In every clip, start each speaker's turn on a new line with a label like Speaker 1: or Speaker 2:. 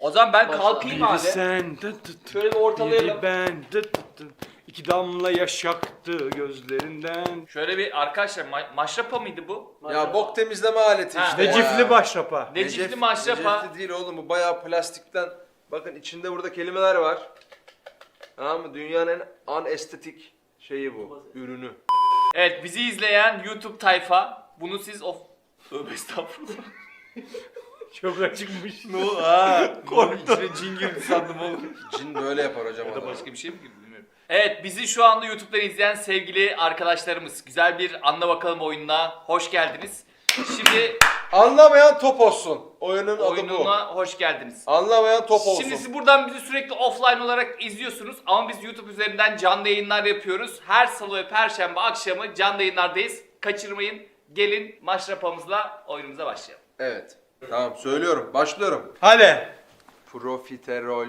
Speaker 1: O zaman ben kalkayım abi.
Speaker 2: Sen
Speaker 1: Şöyle bir ortalayalım.
Speaker 2: biri ben iki damla yaş aktı gözlerinden.
Speaker 1: Şöyle bir arkadaşlar maşrapa mıydı bu?
Speaker 3: Ya bok temizleme aleti
Speaker 1: Ha.
Speaker 3: işte.
Speaker 2: Necifli
Speaker 3: ya.
Speaker 2: başrapa.
Speaker 1: Necifli maşrapa.
Speaker 3: Necefli değil oğlum, bu bayağı plastikten. Bakın içinde burada kelimeler var. Tamam mı? Dünyanın en anestetik şeyi bu. Ürünü.
Speaker 1: Evet, bizi izleyen YouTube tayfa bunu siz Tövbe estağfurullah.
Speaker 2: Çok acıkmış.
Speaker 1: Ne oldu? Korktum. İçine cin girdi sandım oğlum.
Speaker 3: Cin böyle yapar hocam.
Speaker 1: Ya da
Speaker 3: adama.
Speaker 1: başka bir şey mi girdi bilmiyorum. Evet, bizi şu anda YouTube'dan izleyen sevgili arkadaşlarımız, güzel bir Anla Bakalım oyununa hoş geldiniz. Şimdi
Speaker 3: Anlamayan top olsun. Oyunun adı bu.
Speaker 1: oyununa hoş geldiniz.
Speaker 3: Anlamayan top olsun.
Speaker 1: Şimdi siz buradan bizi sürekli offline olarak izliyorsunuz ama biz YouTube üzerinden canlı yayınlar yapıyoruz. Her salı ve perşembe akşamı canlı yayınlardayız. Kaçırmayın. Gelin maşrapamızla oyunumuza başlayalım.
Speaker 3: Evet. Tamam, söylüyorum. Başlıyorum.
Speaker 2: Hadi.
Speaker 3: Profiterol.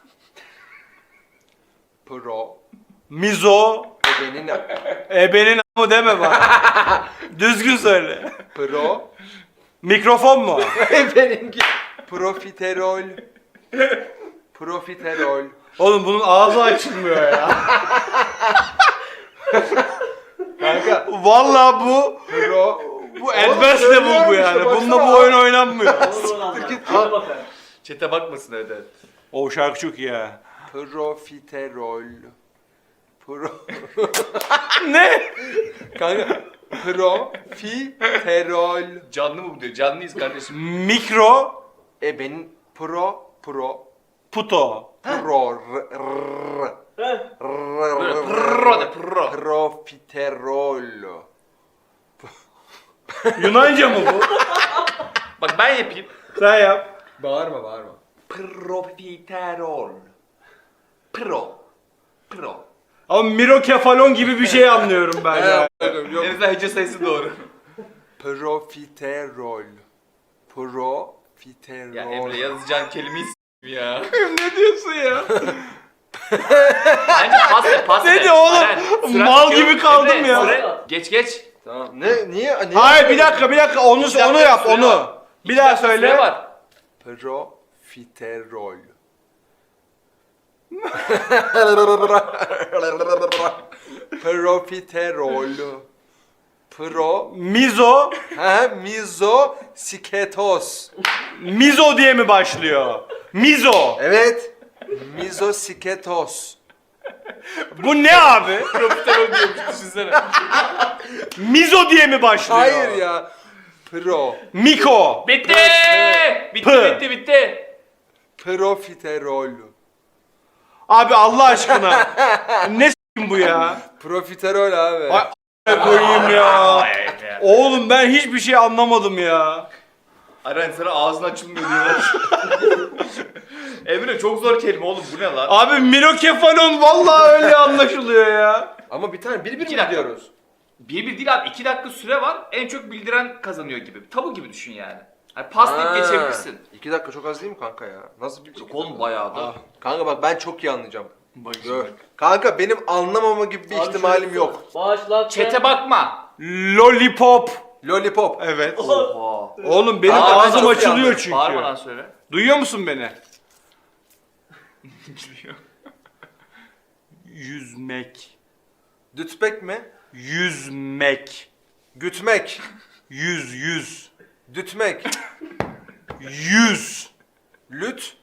Speaker 3: Pro.
Speaker 2: Mizo.
Speaker 3: Ebenin.
Speaker 2: Ebenin mı deme bak. Düzgün söyle.
Speaker 3: Pro.
Speaker 2: Mikrofon mu?
Speaker 3: Ebeninki. Profiterol. Profiterol.
Speaker 2: Oğlum bunun ağzı açılmıyor ya.
Speaker 3: Kanka.
Speaker 2: Vallahi bu
Speaker 3: Pro.
Speaker 2: advanced level bu yani. Bununla bu oyun oynanmıyor.
Speaker 1: Çete bakmasın öyle.
Speaker 2: O şarkı çok iyi ya.
Speaker 3: Profiterol. Pro.
Speaker 2: Ne?
Speaker 3: Kanka. Profiterol.
Speaker 1: Canlı mı bu diyor? Canlıyız kardeşim.
Speaker 2: Mikro
Speaker 3: Ebenin. Pro.
Speaker 2: puto.
Speaker 3: Pro.
Speaker 1: Böyle pırro de pırro.
Speaker 3: Profiterol.
Speaker 2: Yunanca mı bu?
Speaker 1: Bak ben yapayım.
Speaker 2: Sen yap.
Speaker 3: Bağırma.
Speaker 1: Profiterol. Pro.
Speaker 2: Ama mirokefalon gibi bir şey anlıyorum ben ya.
Speaker 3: Yok.
Speaker 1: En azından hece sayısı doğru.
Speaker 3: Profiterol. Profiterol.
Speaker 1: Ya Emre yazacağın kelimeyi ya.
Speaker 2: Ne diyorsun ya?
Speaker 1: Bence pas ver.
Speaker 2: Ne diyor oğlum?
Speaker 1: Aren, süren
Speaker 2: Mal
Speaker 1: bitiyor.
Speaker 2: gibi kaldım
Speaker 1: Emre,
Speaker 2: ya.
Speaker 1: Geç.
Speaker 3: Tamam. Niye?
Speaker 2: Hayır bir dakika onu
Speaker 1: dakika,
Speaker 2: yap
Speaker 1: süre
Speaker 2: onu.
Speaker 1: var.
Speaker 2: Bir daha
Speaker 1: Süre
Speaker 2: söyle.
Speaker 1: var.
Speaker 3: Profiterol. Profiterol.
Speaker 2: Mizo.
Speaker 3: Mizosiketos.
Speaker 2: Mizo diye mi başlıyor? Mizo.
Speaker 3: Evet. Mizosiketos.
Speaker 2: Bu ne abi?
Speaker 1: Profiterol diyormuş düşünsene.
Speaker 2: Mizo diye mi başlıyor?
Speaker 3: Hayır ya.
Speaker 2: Miko.
Speaker 1: Bitti.
Speaker 2: Pı.
Speaker 1: Bitti.
Speaker 3: Profiterol.
Speaker 2: Abi Allah aşkına. Ne s**kim bu ya?
Speaker 3: Profiterol abi.
Speaker 2: Ay a**ına koyayım ya. Oğlum ben hiçbir şey anlamadım ya.
Speaker 1: Aren sana ağzın açılmıyor diyorlar. Emre çok zor kelime oğlum bu ne lan?
Speaker 2: Abi mirokefalon vallahi öyle anlaşılıyor ya.
Speaker 3: Ama bir tane bir
Speaker 1: İki
Speaker 3: mi
Speaker 1: dakika.
Speaker 3: gidiyoruz?
Speaker 1: Bir değil abi 2 dakika süre var. En çok bildiren kazanıyor gibi. Tabu gibi düşün yani. Hani paslayıp geçebilirsin.
Speaker 3: 2 dakika çok az değil mi kanka ya? Nasıl bilecek?
Speaker 1: Yok oğlum bayağı da.
Speaker 3: Kanka bak ben çok iyi anlayacağım.
Speaker 1: Bak
Speaker 3: Gör. Kanka benim anlamama gibi bir ihtimalim yok.
Speaker 4: Başlat.
Speaker 1: Çete bakma.
Speaker 2: Lollipop.
Speaker 3: Lollipop.
Speaker 2: Evet.
Speaker 1: Oha.
Speaker 2: Oğlum benim
Speaker 1: Aa,
Speaker 2: ağzım
Speaker 3: çok
Speaker 2: açılıyor
Speaker 3: yanlış.
Speaker 2: çünkü.
Speaker 1: Bağırmadan söyle.
Speaker 2: Duyuyor musun beni? Yüzmek.
Speaker 3: Dütmek mi?
Speaker 2: Yüzmek.
Speaker 3: Gütmek.
Speaker 2: Yüz.
Speaker 3: Dütmek.
Speaker 2: Yüz.
Speaker 3: Lüt.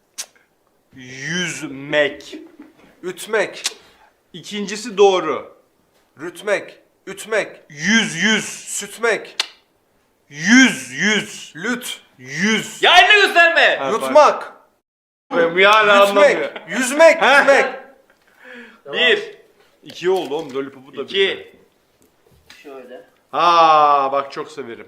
Speaker 2: Yüzmek.
Speaker 3: Ütmek.
Speaker 2: İkincisi doğru.
Speaker 3: Rütmek. Ütmek.
Speaker 2: Yüz.
Speaker 3: Sütmek.
Speaker 2: Yüz.
Speaker 3: Lüt.
Speaker 2: Yüz.
Speaker 1: Ya eline gösterme.
Speaker 2: Ha,
Speaker 3: Yutmak.
Speaker 2: bak. Ya anlamıyor.
Speaker 3: Yüzmek. Yüzmek.
Speaker 2: Heh.
Speaker 3: Yüzmek.
Speaker 1: 1,
Speaker 2: İki oldu oğlum. Lollipop'u da
Speaker 1: 2,
Speaker 4: Şöyle.
Speaker 2: Ha bak çok severim.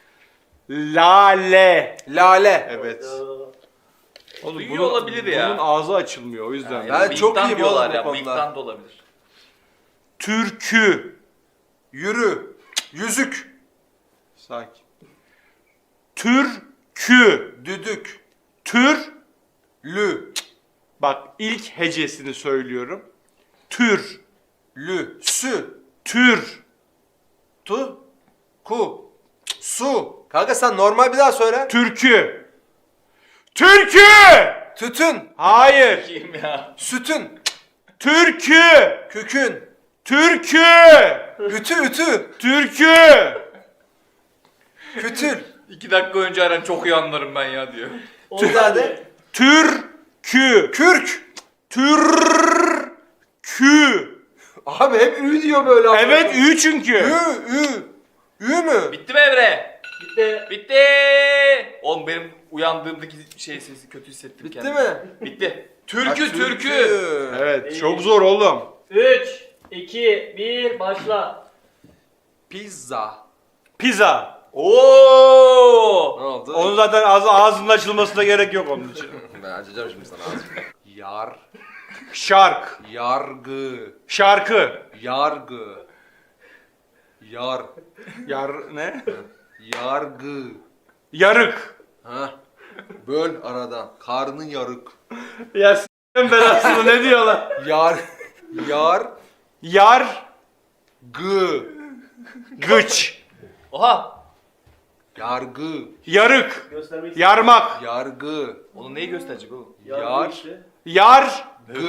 Speaker 2: Lale.
Speaker 3: Lale.
Speaker 2: Evet. Oğlum
Speaker 1: Duyuyor olabilir ya.
Speaker 2: Bunun ağzı açılmıyor o yüzden.
Speaker 3: Ben çok
Speaker 1: bıyıktan
Speaker 3: iyiyim
Speaker 1: diyorlar
Speaker 3: oğlum bu
Speaker 1: ya.
Speaker 3: konuda.
Speaker 1: Bıyıktan da olabilir.
Speaker 2: Türkü.
Speaker 3: Yürü. Yüzük.
Speaker 2: Sakin. Türkü.
Speaker 3: Düdük.
Speaker 2: Tür.
Speaker 3: Lü.
Speaker 2: Bak ilk hecesini söylüyorum. Tür.
Speaker 3: Lü. Sü.
Speaker 2: Tür.
Speaker 3: Tu. Ku. Su. Kanka sen normal bir daha söyle.
Speaker 2: Türkü. Türkü.
Speaker 3: Tütün.
Speaker 2: Hayır.
Speaker 1: Kim ya?
Speaker 3: Sütün.
Speaker 2: Türkü.
Speaker 3: Kükün.
Speaker 2: Türkü.
Speaker 3: Ütü.
Speaker 2: Türkü.
Speaker 3: Kütül.
Speaker 1: 2 dakika önce Eren çok iyi anlarım ben ya diyor.
Speaker 3: Bir daha de.
Speaker 2: Türkü.
Speaker 3: Kürk.
Speaker 2: Türkü.
Speaker 3: Abi hep ü diyor böyle.
Speaker 2: Evet ü çünkü.
Speaker 3: Ü mü?
Speaker 1: Bitti mi Emre?
Speaker 4: Bitti.
Speaker 1: Bitti. Oğlum benim uyandığımdaki şey sesi kötü hissettim
Speaker 3: Bitti
Speaker 1: kendimi.
Speaker 3: mi?
Speaker 1: Bitti.
Speaker 3: Ha,
Speaker 1: Türkü.
Speaker 2: Evet çok zor oğlum.
Speaker 4: 3, 2, 1 başla.
Speaker 3: Pizza.
Speaker 2: Pizza.
Speaker 1: Oo!
Speaker 3: Ne oldu?
Speaker 2: Onun zaten ağzının açılmasına gerek yok onun için.
Speaker 3: Ben açacağım şimdi sana ağzını.
Speaker 2: Şark.
Speaker 3: Yargı.
Speaker 2: Şarkı.
Speaker 3: Yargı.
Speaker 2: Ne?
Speaker 3: Yargı.
Speaker 2: Yarık.
Speaker 3: Ha. Böl aradan. Karnın yarık.
Speaker 2: Ya s***in belasını ne diyorlar?
Speaker 3: Yar.
Speaker 2: Yar.
Speaker 3: Gı.
Speaker 2: Gıç.
Speaker 1: Oha!
Speaker 3: Yargı.
Speaker 2: Yarık.
Speaker 4: Göstermek
Speaker 2: Yarmak.
Speaker 3: Yargı.
Speaker 1: Onu neyi gösterecek oğlum?
Speaker 3: Yar.
Speaker 4: işte.
Speaker 2: Yar.
Speaker 3: Gı.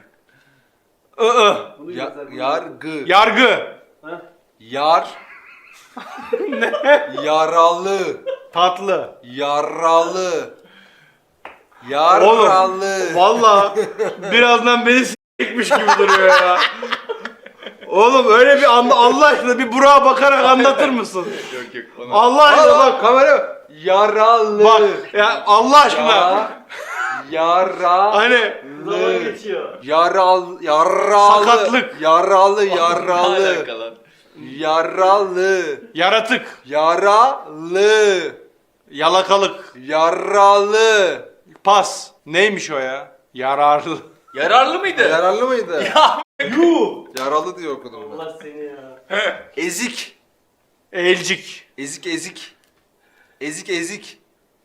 Speaker 4: Bunu
Speaker 3: Ya,
Speaker 4: göster.
Speaker 3: yargı.
Speaker 2: Yargı.
Speaker 4: Ha?
Speaker 3: Yar. Ne? Yaralı.
Speaker 2: Tatlı.
Speaker 3: Yaralı. Yaralı.
Speaker 2: Valla birazdan beni s***miş gibi duruyor ya. Oğlum öyle bir Allah aşkına bir Burak'a bakarak anlatır mısın?
Speaker 1: Yok onu.
Speaker 2: Allah aşkına bak.
Speaker 3: Kamera. Yaralı.
Speaker 2: Bak ya Allah aşkına.
Speaker 3: Yaralı.
Speaker 2: Hani
Speaker 4: Zaman geçiyor.
Speaker 3: Yaralı.
Speaker 2: Sakatlık.
Speaker 3: Yaralı.
Speaker 1: Ne alaka lan?
Speaker 3: Yaralı.
Speaker 2: yaratık,
Speaker 3: Yaralı.
Speaker 2: yalakalık,
Speaker 3: Yaralı.
Speaker 2: pas. Neymiş o ya? Yararlı.
Speaker 1: Yararlı mıydı?
Speaker 3: Yaralı mıydı?
Speaker 1: Ya
Speaker 3: Yaralı diye okudum ben.
Speaker 4: Allah seni ya.
Speaker 3: Ezik.
Speaker 2: Elcik.
Speaker 3: Ezik. Ezik.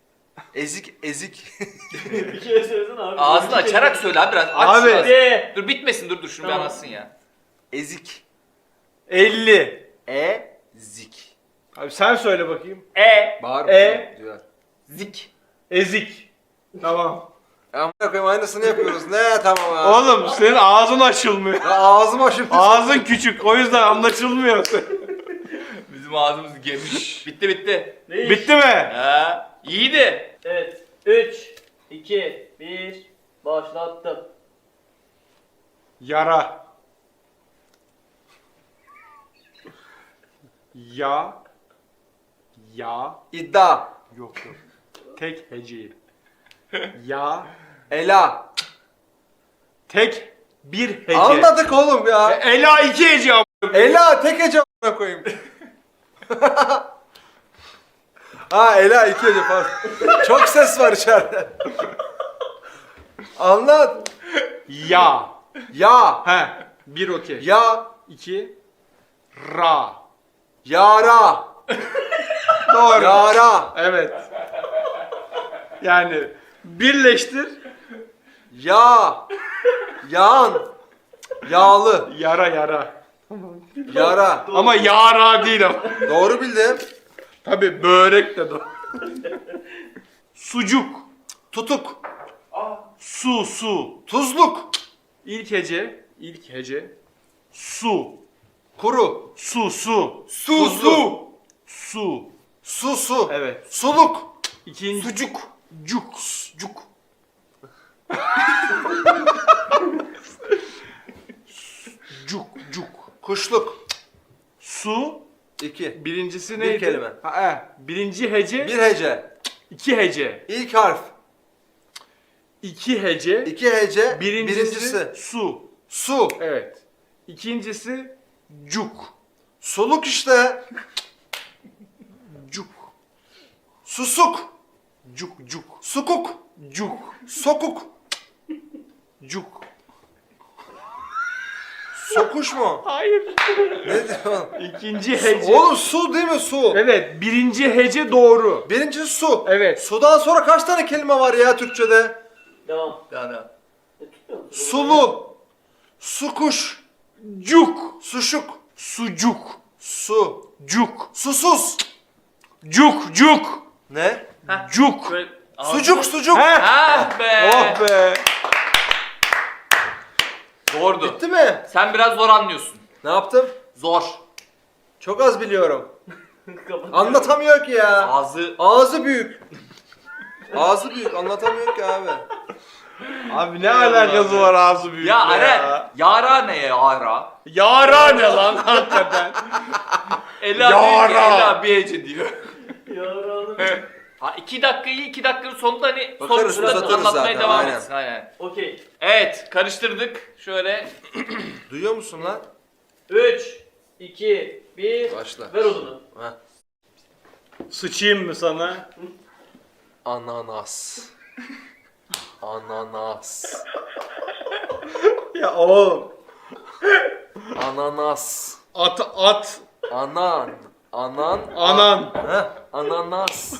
Speaker 4: Bir kere söylesene abi.
Speaker 1: ağzını açarak söyle abi biraz. Aç
Speaker 2: Abi.
Speaker 1: biraz.
Speaker 4: Hadi.
Speaker 1: Dur bitmesin dur şunu bir
Speaker 4: Tamam.
Speaker 1: anlatsın ya.
Speaker 3: Ezik.
Speaker 2: 50.
Speaker 3: Ezik.
Speaker 2: Abi sen söyle bakayım.
Speaker 3: Bağır. Diyor.
Speaker 1: Zik.
Speaker 2: Ezik. Tamam.
Speaker 3: Amına koyayım aynısını yapıyoruz. Ne tamam ya.
Speaker 2: Oğlum senin ağzın açılmıyor.
Speaker 3: Ya ağzım açıldı.
Speaker 2: Ağzın küçük o yüzden anlaşılmıyor.
Speaker 1: Bizim ağzımız geniş. Bitti.
Speaker 4: Ne iş?
Speaker 2: Bitti mi?
Speaker 1: Ha, iyiydi.
Speaker 4: Evet. 3, 2, 1 başlattım.
Speaker 2: Yara. Ya.
Speaker 3: İddia.
Speaker 2: Yok. Tek heceyim. Ya.
Speaker 3: Ela.
Speaker 2: Tek bir hece.
Speaker 3: Anladık oğlum ya.
Speaker 2: Ela iki hece am-
Speaker 3: Ela tek hece amına koyayım. Ha Ela iki hece pardon. Çok ses var içeride. Anlat.
Speaker 2: Ya.
Speaker 3: Ya.
Speaker 2: He. Bir okey.
Speaker 3: Ya.
Speaker 2: İki. Ra.
Speaker 3: Yara.
Speaker 2: Doğru.
Speaker 3: Yara.
Speaker 2: Evet. Yani birleştir.
Speaker 3: Ya. Yan. Yağlı.
Speaker 2: Yara.
Speaker 3: Yara.
Speaker 2: Ama yara değil ama.
Speaker 3: Doğru bildim.
Speaker 2: Tabii börek de doğru. Sucuk.
Speaker 3: Tutuk.
Speaker 2: Su.
Speaker 3: Tuzluk.
Speaker 2: İlk hece. Su.
Speaker 3: Kuru.
Speaker 2: Su.
Speaker 3: Su.
Speaker 2: Su.
Speaker 3: Su.
Speaker 2: Evet.
Speaker 3: Suluk.
Speaker 2: İkinci.
Speaker 3: Sucuk.
Speaker 2: Cuk. Cuk.
Speaker 3: Kuşluk.
Speaker 2: Su.
Speaker 3: 2.
Speaker 2: Birincisi
Speaker 3: Bir
Speaker 2: neydi?
Speaker 3: kelime.
Speaker 2: Birinci hece.
Speaker 3: Bir hece.
Speaker 2: İki hece.
Speaker 3: İlk harf.
Speaker 2: İki hece.
Speaker 3: İki hece.
Speaker 2: Birincisi su.
Speaker 3: Su.
Speaker 2: Evet. İkincisi cuk.
Speaker 3: Suluk işte.
Speaker 2: Cuk.
Speaker 3: Susuk.
Speaker 2: Cuk.
Speaker 3: Sukuk.
Speaker 2: Cuk.
Speaker 3: Sokuk.
Speaker 2: Cuk.
Speaker 3: Sokuş mu?
Speaker 2: Hayır.
Speaker 3: Ne diyorsun?
Speaker 2: İkinci hece.
Speaker 3: Oğlum su değil mi su?
Speaker 2: Evet. Birinci hece doğru.
Speaker 3: Birincisi su.
Speaker 2: Evet.
Speaker 3: Sudan sonra kaç tane kelime var ya Türkçe'de?
Speaker 4: Devam.
Speaker 1: Yani.
Speaker 4: Tutmuyor musun?
Speaker 3: Sulu. Sukuş.
Speaker 2: Cuk.
Speaker 3: Suşuk.
Speaker 2: Sucuk.
Speaker 3: Su.
Speaker 2: Cuk.
Speaker 3: Susuz.
Speaker 2: Cuk.
Speaker 3: Ne?
Speaker 1: Heh.
Speaker 2: Cuk.
Speaker 1: Böyle
Speaker 3: Sucuk sucuk.
Speaker 2: Heh.
Speaker 1: Ah be.
Speaker 2: Oh be.
Speaker 1: Zordu.
Speaker 3: Bitti mi?
Speaker 1: Sen biraz zor anlıyorsun.
Speaker 3: Ne yaptım?
Speaker 1: Zor.
Speaker 3: Çok az biliyorum.
Speaker 4: Kapat.
Speaker 3: Anlatamıyor ki ya.
Speaker 1: Ağzı
Speaker 3: Ağzı büyük. Ağzı büyük anlatamıyor ki abi.
Speaker 2: Abi ne alakası var ağzı büyük
Speaker 1: ya Aren. Yara ne ya yara?
Speaker 2: Yara ne lan hakikaten.
Speaker 1: Ela diyor ki
Speaker 2: Yara.
Speaker 1: Ela bir hece diyor.
Speaker 4: Yaralım.
Speaker 1: Ha 2 dakikayı 2 dakikanın sonunda hani
Speaker 3: Bakarız,
Speaker 1: sonuçta
Speaker 3: uzatırız
Speaker 1: anlatmaya
Speaker 3: zaten,
Speaker 1: devam
Speaker 3: aynen.
Speaker 1: etsin. Aynen.
Speaker 4: Okey.
Speaker 1: Evet karıştırdık. Şöyle
Speaker 3: Duyuyor musun lan?
Speaker 4: 3, 2, 1.
Speaker 3: Başla.
Speaker 4: Ver odunu.
Speaker 3: Ha.
Speaker 2: Sıçayım mı sana?
Speaker 3: Ananas. Ananas.
Speaker 2: Ya oğlum.
Speaker 3: Ananas.
Speaker 2: At.
Speaker 3: Anan.
Speaker 2: Anan.
Speaker 3: Heh, ananas.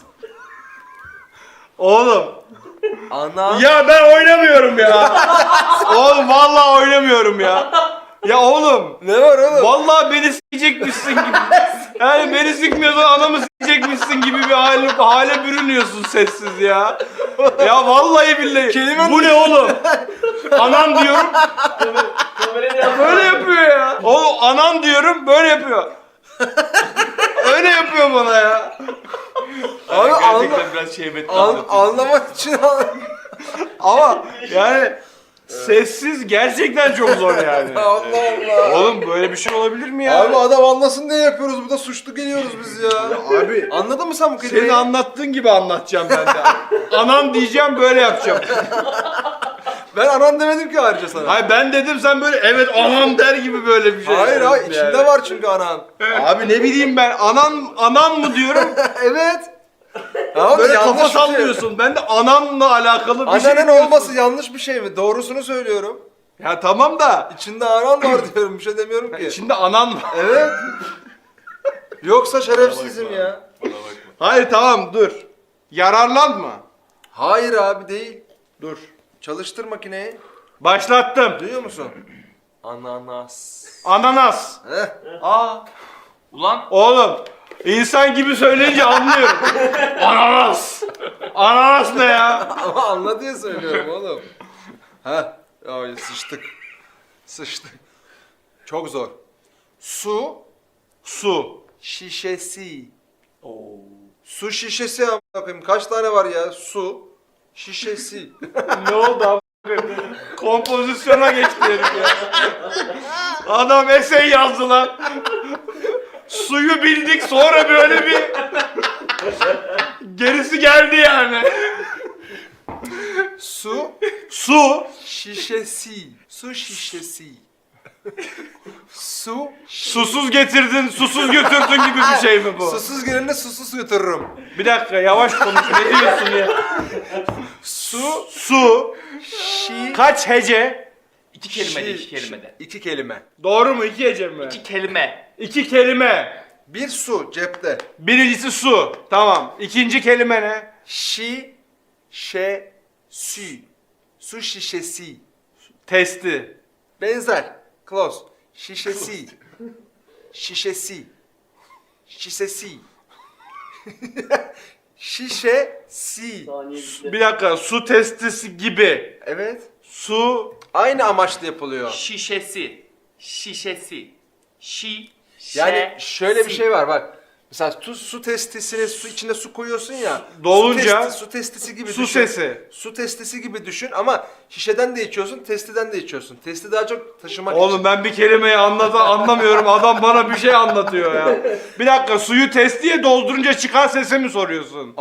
Speaker 2: Oğlum.
Speaker 3: Ana.
Speaker 2: Ya ben oynamıyorum ya. Oğlum vallahi oynamıyorum ya. Ya oğlum.
Speaker 3: Ne var oğlum?
Speaker 2: Vallahi beni sikecekmişsin gibi. Yani beni sikmiyorsan anamı sikecekmişsin gibi bir hale bürünüyorsun sessiz ya. Ya vallahi billahi. Bu ne oğlum? Anan diyorum
Speaker 4: Kamerayı da
Speaker 2: böyle yapıyor ya. Oğlum anan diyorum böyle yapıyor. Öyle yapıyor bana ya.
Speaker 3: Abi
Speaker 1: gerçekten biraz şehvetli anlatıyorsun.
Speaker 3: anlamak için
Speaker 2: Ama yani sessiz gerçekten çok zor yani.
Speaker 3: Allah Allah.
Speaker 2: Oğlum böyle bir şey olabilir mi ya?
Speaker 3: Abi adam anlasın diye yapıyoruz. Burada suçlu geliyoruz biz ya.
Speaker 2: Abi
Speaker 3: Anladın mı sen bu kelimeyi?
Speaker 2: senin anlattığın gibi anlatacağım ben de. Anan diyeceğim böyle yapacağım.
Speaker 3: Ben anan demedim ki ayrıca sana.
Speaker 2: Hayır ben dedim sen böyle evet anam der gibi böyle bir şey.
Speaker 3: Hayır
Speaker 2: yapıyorsun
Speaker 3: içinde
Speaker 2: yani.
Speaker 3: var çünkü anan.
Speaker 2: Abi ne bileyim ben anan mı diyorum
Speaker 3: Evet. Tamam,
Speaker 2: böyle
Speaker 3: yanlış
Speaker 2: kafa
Speaker 3: bir şey.
Speaker 2: sallıyorsun. Ben de ananla alakalı bir şey
Speaker 3: Annenin
Speaker 2: diyorsun.
Speaker 3: olması yanlış bir şey mi? Doğrusunu söylüyorum.
Speaker 2: Ya tamam da
Speaker 3: İçinde anan var diyorum. Bir şey demiyorum ki.
Speaker 2: içinde anan var.
Speaker 3: Evet. Yoksa şerefsizim ya.
Speaker 2: Hayır tamam dur. Yararlanma.
Speaker 3: Hayır abi değil.
Speaker 2: Dur.
Speaker 3: Çalıştır makineyi.
Speaker 2: Başlattım.
Speaker 3: Duyuyor musun? Ananas.
Speaker 2: Ananas.
Speaker 3: Heh.
Speaker 1: Aa. Ulan
Speaker 2: Oğlum insan gibi söyleyince anlıyorum. Ananas. Ananas ne ya?
Speaker 3: Ama anla diye söylüyorum oğlum. Ha, ay sıçtık. Sıçtık. Çok zor. Su
Speaker 2: Su.
Speaker 3: şişesi. Su şişesi amına koyayım. Kaç tane var ya? Su şişesi.
Speaker 2: Ne oldu abi? Kompozisyona geçti herif ya. Adam essay yazdı lan. Suyu bildik sonra böyle bir gerisi geldi yani.
Speaker 3: Su
Speaker 2: Su.
Speaker 3: şişesi. Su şişesi. Su
Speaker 2: Susuz getirdin, susuz götürdün gibi bir şey mi bu?
Speaker 3: susuz gelene susuz götürürüm.
Speaker 2: Bir dakika yavaş konuş ne diyorsun ya? Su.
Speaker 3: Şi
Speaker 1: kaç hece? 2 kelimede,
Speaker 3: şi-
Speaker 1: 2 kelimede.
Speaker 3: 2 kelime.
Speaker 2: Doğru mu? İki hece mi?
Speaker 1: 2 kelime.
Speaker 2: İki kelime.
Speaker 3: Bir su cepte.
Speaker 2: Birincisi su. Tamam. İkinci kelime ne?
Speaker 3: Şi şe sü. Su şişesi.
Speaker 2: Testi.
Speaker 3: Benzer. Close. Şişesi. Şişesi. Şişesi. Şişesi.
Speaker 4: Saniye bitti.
Speaker 2: Bir dakika. Su testisi gibi.
Speaker 3: Evet.
Speaker 2: Su.
Speaker 3: Aynı amaçla yapılıyor.
Speaker 1: Şişesi. Şişesi.
Speaker 3: Yani şöyle bir şey var bak. Mesela su testisine su içinde su koyuyorsun ya.
Speaker 2: Dolunca
Speaker 3: su testisi gibi
Speaker 2: su
Speaker 3: düşün.
Speaker 2: sesi.
Speaker 3: Su testisi gibi düşün ama şişeden de içiyorsun, testiden de içiyorsun. Testi daha çok taşımak
Speaker 2: Oğlum
Speaker 3: için.
Speaker 2: ben bir kelimeyi anlamıyorum. Adam bana bir şey anlatıyor ya. Bir dakika suyu testiye doldurunca çıkan sesi mi soruyorsun?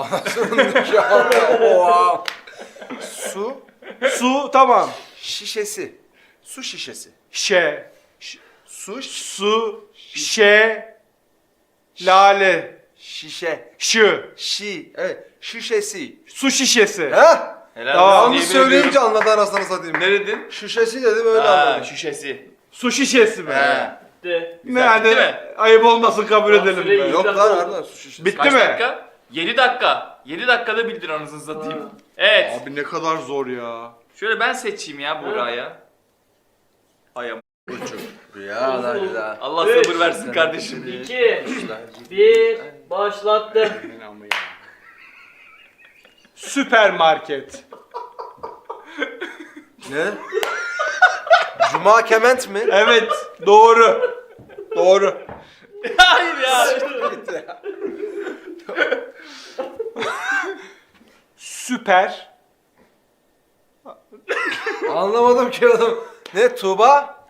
Speaker 3: Oha. Su
Speaker 2: Su tamam.
Speaker 3: şişesi. Su şişesi.
Speaker 2: Su, şe, lale,
Speaker 3: Şişe.
Speaker 2: şı,
Speaker 3: Evet. Şişesi.
Speaker 2: su şişesi.
Speaker 3: Ha?
Speaker 1: Helal
Speaker 2: Tamam.
Speaker 1: olsun,
Speaker 3: Yanlış
Speaker 1: yemin
Speaker 3: söyleyince
Speaker 1: ediyorum.
Speaker 3: anladı anasını satayım.
Speaker 1: Ne dedin?
Speaker 3: Şişesi dedim öyle
Speaker 1: Ha,
Speaker 3: anladım.
Speaker 1: şişesi.
Speaker 2: Su şişesi mi?
Speaker 1: He.
Speaker 4: Bitti.
Speaker 2: Ne yani
Speaker 1: bitti mi?
Speaker 2: ayıp olmasın kabul
Speaker 4: Tamam,
Speaker 2: edelim.
Speaker 4: süreyi-
Speaker 2: be.
Speaker 3: Yok lan harbiden su şişesi.
Speaker 2: Bitti
Speaker 1: Kaç
Speaker 2: mi?
Speaker 1: dakika? 7 dakika. 7 dakikada bildin anasını satayım.
Speaker 4: Ha.
Speaker 1: Evet.
Speaker 2: Abi ne kadar zor ya.
Speaker 1: Şöyle ben seçeyim ya Buğra'ya. Ay am-
Speaker 3: Ya lan ya.
Speaker 1: Allah
Speaker 4: Evet.
Speaker 1: sabır versin kardeşim.
Speaker 4: 2, 1, başlattım.
Speaker 2: Süpermarket.
Speaker 3: Ne? Cuma kement mi?
Speaker 2: Evet, doğru. Doğru.
Speaker 1: Hayır ya.
Speaker 2: Süper.
Speaker 3: Anlamadım ki adam. Ne Tuğba?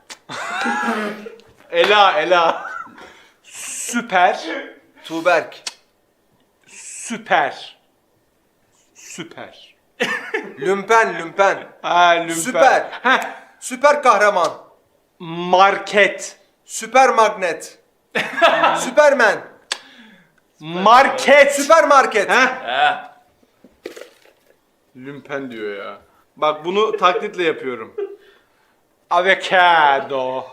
Speaker 2: Ela. Süper.
Speaker 3: Tuğberk.
Speaker 2: Süper.
Speaker 3: Lümpen.
Speaker 2: Ha, lümpen.
Speaker 3: Süper.
Speaker 2: Heh.
Speaker 3: Süper kahraman.
Speaker 2: Market.
Speaker 3: Süper magnet. Süpermen.
Speaker 2: Market.
Speaker 3: Süpermarket.
Speaker 2: Heh.
Speaker 1: He.
Speaker 2: Lümpen diyor ya. Bak bunu taklitle yapıyorum. Avocado.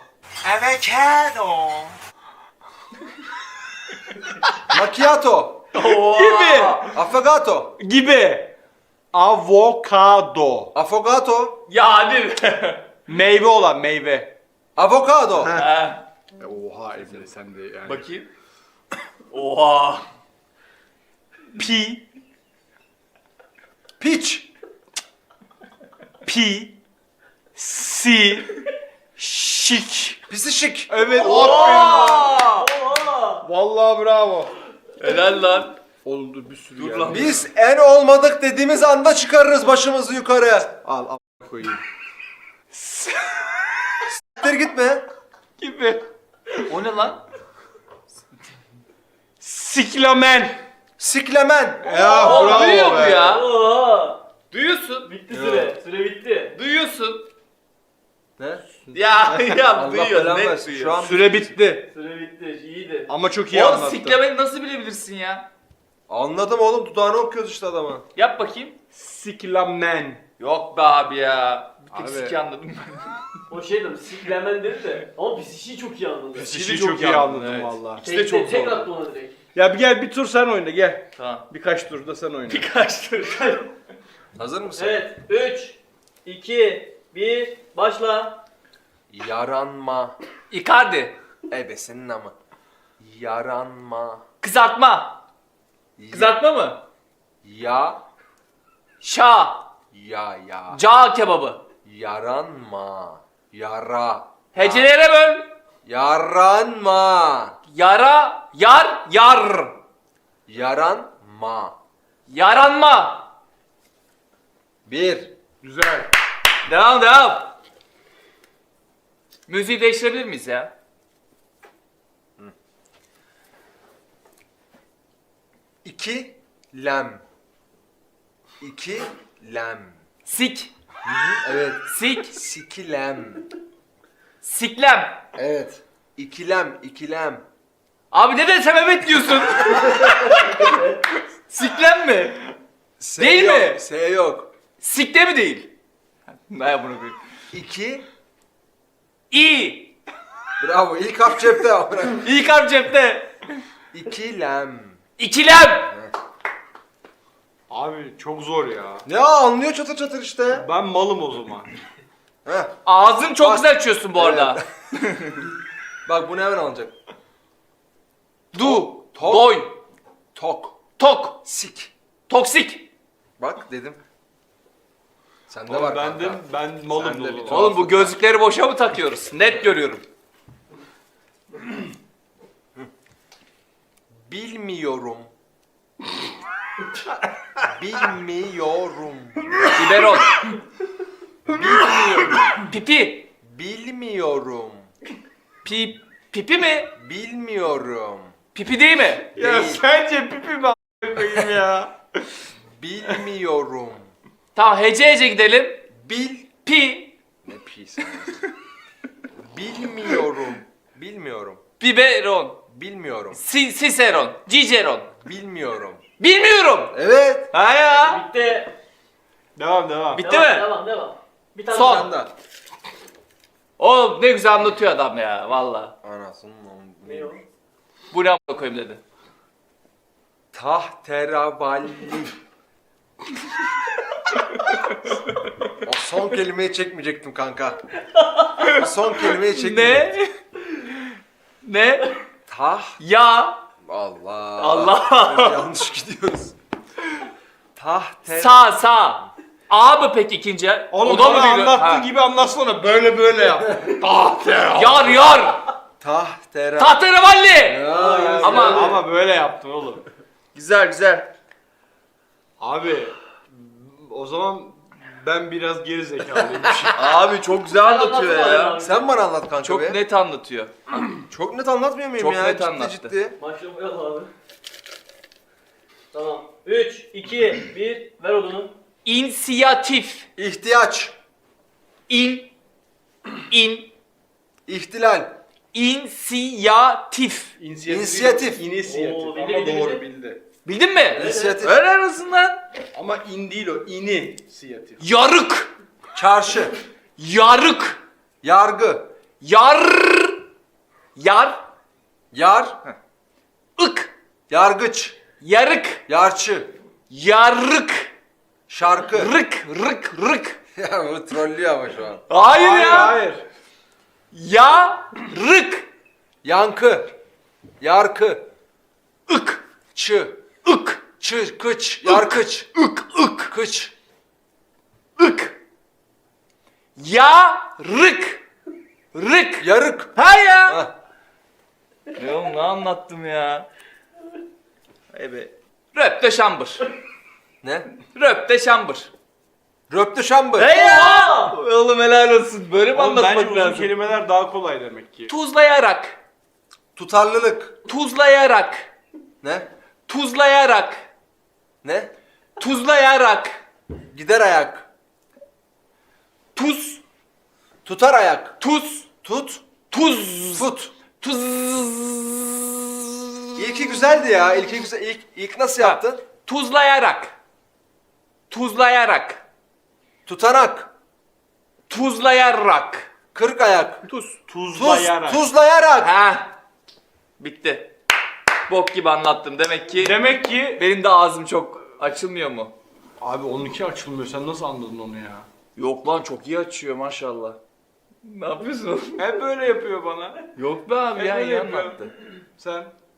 Speaker 3: Macchiato.
Speaker 2: Gibi.
Speaker 3: Affogato.
Speaker 2: Gibi. Avokado.
Speaker 3: Affogato.
Speaker 1: Ya hadi be.
Speaker 2: Meyve olan meyve.
Speaker 3: Avokado.
Speaker 1: He.
Speaker 2: Oha Emre sen de yani.
Speaker 1: Bakayım. Oha.
Speaker 2: Pi.
Speaker 3: Piç.
Speaker 2: Pi. Si. Şik.
Speaker 3: Pisişik.
Speaker 2: Evet aferin.
Speaker 1: Oha.
Speaker 2: Vallahi bravo.
Speaker 1: Helal lan.
Speaker 2: Oğlum dur bir sürü
Speaker 1: Dur
Speaker 2: geldi.
Speaker 1: lan.
Speaker 3: Biz en olmadık dediğimiz anda çıkarırız başımızı yukarı.
Speaker 2: Al koyayım.
Speaker 3: Siktir gitme.
Speaker 2: Gibi.
Speaker 1: O ne lan?
Speaker 2: Siklamen.
Speaker 3: Siklemen.
Speaker 2: Ya
Speaker 1: Oğlum,
Speaker 2: bravo
Speaker 1: duyuyor mu
Speaker 2: be.
Speaker 1: ya?
Speaker 4: Oo.
Speaker 1: Duyuyorsun.
Speaker 4: Bitti süre. Süre bitti.
Speaker 1: Duyuyorsun.
Speaker 3: Ne?
Speaker 1: Ya
Speaker 3: Allah
Speaker 1: duyuyor.
Speaker 3: belanı
Speaker 1: Net
Speaker 3: versin.
Speaker 1: duyuyor.
Speaker 3: Şu an
Speaker 2: Süre bitti.
Speaker 4: Süre bitti. İyiydi.
Speaker 2: Ama çok iyi
Speaker 1: Oğlum
Speaker 2: anlattın.
Speaker 1: siklemeyi nasıl bilebilirsin ya?
Speaker 3: anladım oğlum, dudağını okuyoruz işte adama.
Speaker 1: Yap bakayım.
Speaker 2: Siklamen.
Speaker 1: Yok be abi ya. Bir tek
Speaker 2: Abi.
Speaker 1: siki anladım ben.
Speaker 4: O şey dedim, siklemen dedi de. Ama biz işi çok iyi anladık.
Speaker 2: Şişi çok iyi anladım valla.
Speaker 1: İkisi de çok
Speaker 4: Tek
Speaker 1: zor.
Speaker 4: attı ona direkt.
Speaker 2: Ya bir gel bir tur sen oyna gel.
Speaker 1: Tamam.
Speaker 2: Birkaç turda sen oyna.
Speaker 1: Birkaç tur.
Speaker 3: Hazır mısın?
Speaker 4: Evet. 3, 2, 1, başla.
Speaker 3: Yaranma.
Speaker 1: Icardi.
Speaker 3: Ebesenin ama. Yaranma.
Speaker 1: Kızartma. Kızartma mı?
Speaker 3: Ya.
Speaker 1: Şa.
Speaker 3: Ya.
Speaker 1: Ca kebabı.
Speaker 3: Yaranma. Yara.
Speaker 1: Hecelere böl.
Speaker 3: Yaranma.
Speaker 1: Yara. Yar.
Speaker 3: Yaranma.
Speaker 1: Yaranma.
Speaker 3: 1.
Speaker 2: Güzel.
Speaker 1: Devam. Müziği değiştirebilir miyiz ya?
Speaker 3: 2 lem. 2 lem.
Speaker 1: Sik.
Speaker 3: Evet.
Speaker 1: Sik.
Speaker 3: Sikilem.
Speaker 1: Siklem.
Speaker 3: Evet. İkilem.
Speaker 1: Abi ne desem evet diyorsun. Siklem mi?
Speaker 3: S
Speaker 1: Değil
Speaker 3: yok,
Speaker 1: mi?
Speaker 3: S yok.
Speaker 1: Sikte mi değil? Ne bunu koyayım.
Speaker 3: 2.
Speaker 1: İ.
Speaker 3: Bravo. İlk harf cepte.
Speaker 1: İlk harf cepte.
Speaker 3: İkilem.
Speaker 1: İkilem.
Speaker 2: Abi çok zor ya.
Speaker 3: Ya anlıyor çatır çatır işte.
Speaker 2: Ben malım o zaman.
Speaker 3: Heh.
Speaker 1: Ağzını çok
Speaker 3: Bak.
Speaker 1: güzel açıyorsun bu arada.
Speaker 3: Bak bunu hemen alacak.
Speaker 1: Du.
Speaker 3: Tok.
Speaker 1: Doy.
Speaker 3: Tok.
Speaker 1: Tok.
Speaker 3: Sik.
Speaker 1: Toksik.
Speaker 3: Bak dedim. Sende
Speaker 2: Oğlum
Speaker 3: var
Speaker 2: ben
Speaker 3: kanka.
Speaker 2: malım
Speaker 3: Sen de
Speaker 2: o
Speaker 3: bir
Speaker 2: zaman.
Speaker 1: Oğlum bu gözlükleri boşa mı takıyoruz? Net görüyorum.
Speaker 3: Bilmiyorum. Bilmiyorum.
Speaker 1: Biberon. Pipi.
Speaker 3: Bilmiyorum.
Speaker 1: Pipi mi?
Speaker 3: Bilmiyorum.
Speaker 1: Pipi değil mi?
Speaker 2: Ya
Speaker 3: Değil.
Speaker 2: sence pipi mi a**ına koyayım ya?
Speaker 3: Bilmiyorum.
Speaker 1: Tamam hece gidelim.
Speaker 3: Bil.
Speaker 1: Pi.
Speaker 3: Ne pis. Bilmiyorum. Bilmiyorum.
Speaker 1: Biberon.
Speaker 3: Bilmiyorum.
Speaker 1: Siseron. Ciceron.
Speaker 3: Bilmiyorum.
Speaker 1: Bilmiyorum.
Speaker 3: Evet.
Speaker 1: Ha ya.
Speaker 4: Bitti.
Speaker 2: Devam.
Speaker 1: Bitti
Speaker 4: Devam,
Speaker 1: mi?
Speaker 4: Devam. Bir tane
Speaker 1: Son.
Speaker 4: daha.
Speaker 3: Sen de.
Speaker 1: Oğlum ne güzel anlatıyor adam ya valla.
Speaker 3: Anasının
Speaker 4: Ne o?
Speaker 1: Bu ne a**a koyayım dedi.
Speaker 3: Tahteravalli. O son kelimeyi çekmeyecektim kanka. O son kelimeyi çekmeyecektim.
Speaker 1: Ne? Ne?
Speaker 3: Tah.
Speaker 1: Ya.
Speaker 3: Allah.
Speaker 1: Allah.
Speaker 3: Yanlış gidiyoruz. Tahte.
Speaker 1: Sağ. A mı peki ikinci?
Speaker 2: Oğlum
Speaker 1: O da mı
Speaker 2: bana
Speaker 1: biliyor?
Speaker 2: anlattığı
Speaker 1: Ha.
Speaker 2: gibi anlatsana. Böyle yap. Tahterevalli.
Speaker 1: Yar.
Speaker 3: Tahtera.
Speaker 1: Tahterevalli.
Speaker 3: Ama
Speaker 2: Ama böyle yaptın oğlum.
Speaker 3: güzel.
Speaker 2: Abi o zaman ben biraz geri zekalıymışım.
Speaker 3: Abi çok güzel anlatıyor
Speaker 4: anlatsana
Speaker 3: ya.
Speaker 4: abi.
Speaker 3: Sen bana anlat kanka
Speaker 1: Çok
Speaker 3: be.
Speaker 1: net anlatıyor.
Speaker 3: Çok net anlatmıyor muyum
Speaker 1: Çok
Speaker 3: ya?
Speaker 1: net
Speaker 3: Ciddi
Speaker 1: anlattı.
Speaker 3: ciddi.
Speaker 4: Başlamayalım abi. Tamam. 3, 2, 1. Ver odunu.
Speaker 1: İnisiyatif.
Speaker 3: İhtiyaç.
Speaker 1: İn.
Speaker 3: İhtilal.
Speaker 1: İnisiyatif.
Speaker 3: İnisiyatif.
Speaker 2: İnisiyatif.
Speaker 4: Oo,
Speaker 2: Ama
Speaker 4: bildi,
Speaker 2: doğru
Speaker 4: bildi.
Speaker 2: bildi.
Speaker 1: Bildin mi?
Speaker 3: İnisiyatif.
Speaker 1: Helal olsun lan.
Speaker 2: Ama in değil o. İnisiyatif.
Speaker 1: Yarık.
Speaker 3: Çarşı.
Speaker 1: Yarık.
Speaker 3: Yargı.
Speaker 1: Yar.
Speaker 3: Yar.
Speaker 1: Ik.
Speaker 3: Yargıç.
Speaker 1: Yarık.
Speaker 3: Yarçı.
Speaker 1: Yarık.
Speaker 3: Şarkı.
Speaker 1: Rık.
Speaker 3: Ya bu trollüyor ama şu an.
Speaker 1: Hayır ya.
Speaker 2: Hayır.
Speaker 1: Yarık.
Speaker 3: Yankı. Yarkı.
Speaker 1: Ik.
Speaker 3: Çı.
Speaker 1: Ik.
Speaker 3: Çı. Kıç. Yarkıç.
Speaker 1: Ik.
Speaker 3: Kıç.
Speaker 1: Ik. Yarık. Rık.
Speaker 3: Yarık.
Speaker 1: Ha ya.
Speaker 3: Ha.
Speaker 1: Ne oğlum ne anlattım ya? Evet. Röp de şambır.
Speaker 3: Ne?
Speaker 1: Röp de şambır.
Speaker 3: Röptü şambı.
Speaker 1: Hey ya! Oğlum helal olsun. Böyle mi
Speaker 2: Oğlum bence
Speaker 1: anlatmak
Speaker 2: uzun
Speaker 1: lazım?
Speaker 2: kelimeler daha kolay demek ki.
Speaker 1: Tuzlayarak.
Speaker 3: Tutarlılık.
Speaker 1: Tuzlayarak.
Speaker 3: Ne?
Speaker 1: Tuzlayarak.
Speaker 3: Ne?
Speaker 1: Tuzlayarak.
Speaker 3: Gider ayak.
Speaker 1: Tuz.
Speaker 3: Tutar ayak.
Speaker 1: Tuz.
Speaker 3: Tut.
Speaker 1: Tuz.
Speaker 3: Fut.
Speaker 1: Tuz.
Speaker 3: İlki güzeldi ya. İlki güzel. İlk nasıl yaptın?
Speaker 1: Tuzlayarak. Tuzlayarak.
Speaker 3: Tutanak.
Speaker 1: Tuzlayarak.
Speaker 3: Kırk ayak.
Speaker 1: Tuz.
Speaker 2: Tuzlayarak.
Speaker 3: Tuzlayarak.
Speaker 1: Ha. Bitti. Bok gibi anlattım. Demek ki
Speaker 2: Demek ki
Speaker 1: benim de ağzım çok açılmıyor mu?
Speaker 2: abi 12 açılmıyor. Sen nasıl anladın onu ya?
Speaker 1: Yok lan çok iyi açıyor maşallah. Ne yapıyorsun?
Speaker 2: Hep böyle yapıyor bana.
Speaker 1: Yok be abi
Speaker 2: Hep
Speaker 1: ya
Speaker 2: böyle
Speaker 1: iyi
Speaker 2: yapıyor.
Speaker 1: anlattı.
Speaker 2: Sen